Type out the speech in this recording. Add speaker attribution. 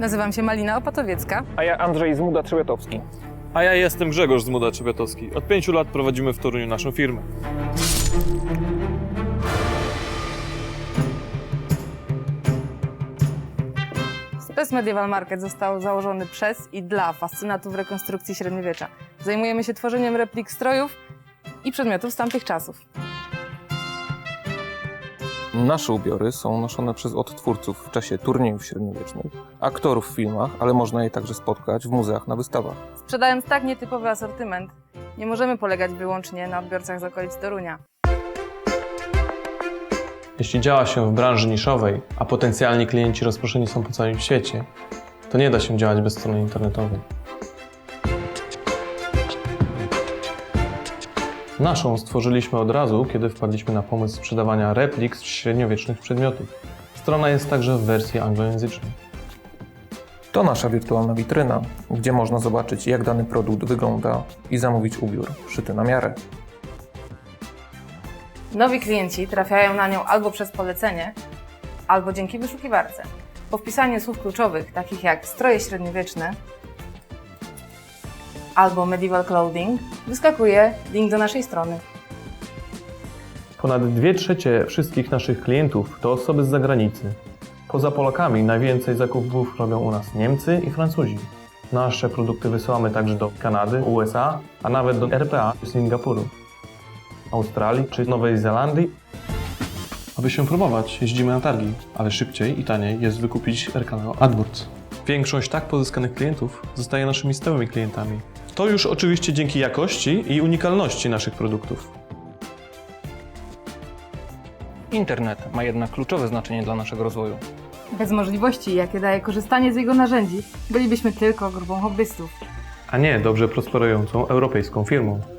Speaker 1: Nazywam się Malina Opatowiecka.
Speaker 2: A ja Andrzej Zmuda-Trzebiatowski.
Speaker 3: A ja jestem Grzegorz Zmuda-Trzebiatowski. Od 5 lat prowadzimy w Toruniu naszą firmę.
Speaker 1: Spes Medieval Market został założony przez i dla fascynatów rekonstrukcji średniowiecza. Zajmujemy się tworzeniem replik strojów i przedmiotów z tamtych czasów.
Speaker 2: Nasze ubiory są noszone przez odtwórców w czasie turniejów średniowiecznych, aktorów w filmach, ale można je także spotkać w muzeach na wystawach.
Speaker 1: Sprzedając tak nietypowy asortyment, nie możemy polegać wyłącznie na odbiorcach z okolic Torunia.
Speaker 3: Jeśli działa się w branży niszowej, a potencjalni klienci rozproszeni są po całym świecie, to nie da się działać bez strony internetowej. Naszą stworzyliśmy od razu, kiedy wpadliśmy na pomysł sprzedawania replik z średniowiecznych przedmiotów. Strona jest także w wersji anglojęzycznej.
Speaker 2: To nasza wirtualna witryna, gdzie można zobaczyć, jak dany produkt wygląda i zamówić ubiór szyty na miarę.
Speaker 1: Nowi klienci trafiają na nią albo przez polecenie, albo dzięki wyszukiwarce. Po wpisaniu słów kluczowych, takich jak stroje średniowieczne albo medieval clothing, wyskakuje link do naszej strony.
Speaker 3: Ponad 2/3 wszystkich naszych klientów to osoby z zagranicy. Poza Polakami najwięcej zakupów robią u nas Niemcy i Francuzi. Nasze produkty wysyłamy także do Kanady, USA, a nawet do RPA, Singapuru, Australii czy Nowej Zelandii. Aby się promować, jeździmy na targi, ale szybciej i taniej jest wykupić RKO AdWords. Większość tak pozyskanych klientów zostaje naszymi stałymi klientami. To już oczywiście dzięki jakości i unikalności naszych produktów.
Speaker 2: Internet ma jednak kluczowe znaczenie dla naszego rozwoju.
Speaker 1: Bez możliwości, jakie daje korzystanie z jego narzędzi, bylibyśmy tylko grupą hobbystów.
Speaker 3: A nie dobrze prosperującą europejską firmą.